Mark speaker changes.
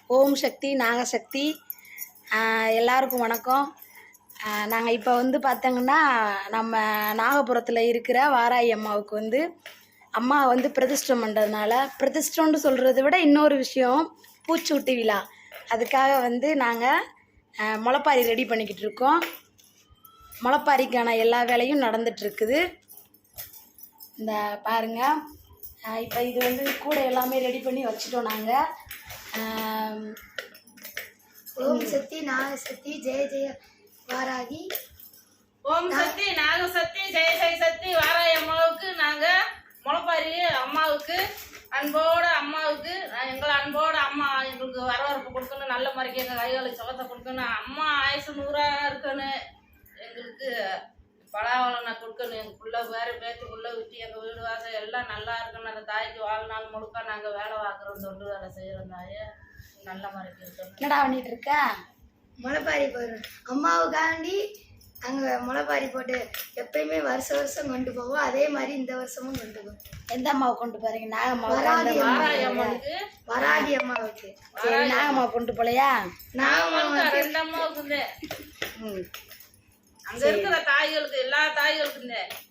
Speaker 1: ஓம் சக்தி நாகசக்தி எல்லாருக்கும் வணக்கம். நாங்கள் இப்போ வந்து பார்த்தோங்கன்னா நம்ம நாகபுரத்தில் இருக்கிற வாராயி அம்மாவுக்கு வந்து அம்மா வந்து பிரதிஷ்டம் பண்ணுறதுனால, பிரதிஷ்டம்னு சொல்கிறத விட இன்னொரு விஷயம் பூச்சூட்டு விழா. அதுக்காக வந்து நாங்கள் முளைப்பாரி ரெடி பண்ணிக்கிட்டு இருக்கோம். முளைப்பாரிக்கான எல்லா வேலையும் நடந்துகிட்ருக்குது. இந்த பாருங்கள், இப்போ இது வந்து கூட எல்லாமே ரெடி பண்ணி வச்சுட்டோம். நாங்கள்
Speaker 2: ஓம் சக்தி நாகசக்தி ஜெய ஜெய வாராகி.
Speaker 3: ஓம் சக்தி நாகசக்தி ஜெய ஜெய சக்தி வாராயி அம்மாவுக்கு நாங்கள் முளைப்பாரி அம்மாவுக்கு அம்மாவுக்கு எங்களை அன்போட அம்மா எங்களுக்கு வரவேற்பு கொடுக்கணும், நல்ல முறைக்கு எங்கள் கைகளுக்கு சுகத்தை கொடுக்கணும், அம்மா ஆயுசு 100 இருக்கணும், எங்களுக்கு பலாவளனை கொடுக்கணும், எங்கள் பிள்ளை வேறு பேத்துக்குள்ளே விட்டு எங்கள் வீடு வாசல் எல்லாம் நல்லா இருக்கணும். அந்த தாய்க்கு வாழ்நாள் முழுக்க நாங்கள் வேலை பார்க்குறோம், தொண்டு வேலை செய்கிறோம். தாயை நல்ல முறைக்கு இருக்கணும்.
Speaker 1: என்னடா பண்ணிட்டு இருக்க?
Speaker 2: முளைப்பாரி போடுறோம். அம்மாவுக்காண்டி நாங்கள் முளைப்பாரி போட்டு எப்பயுமே வருஷம் கொண்டு போவோம். அதே மாதிரி இந்த வருஷமும் கொண்டு போவோம்.
Speaker 1: எந்த அம்மாவை கொண்டு போறீங்க?
Speaker 3: வாராயி அம்மாவுக்கு.
Speaker 2: வராகி அம்மாவுக்கு.
Speaker 1: நாகம்மா கொண்டு போலையா?
Speaker 3: நாகம்மாவுக்கு 2 அம்மாவுக்கு. அங்க இருக்கிற தாய்களுக்கு எல்லா தாய்களுக்கு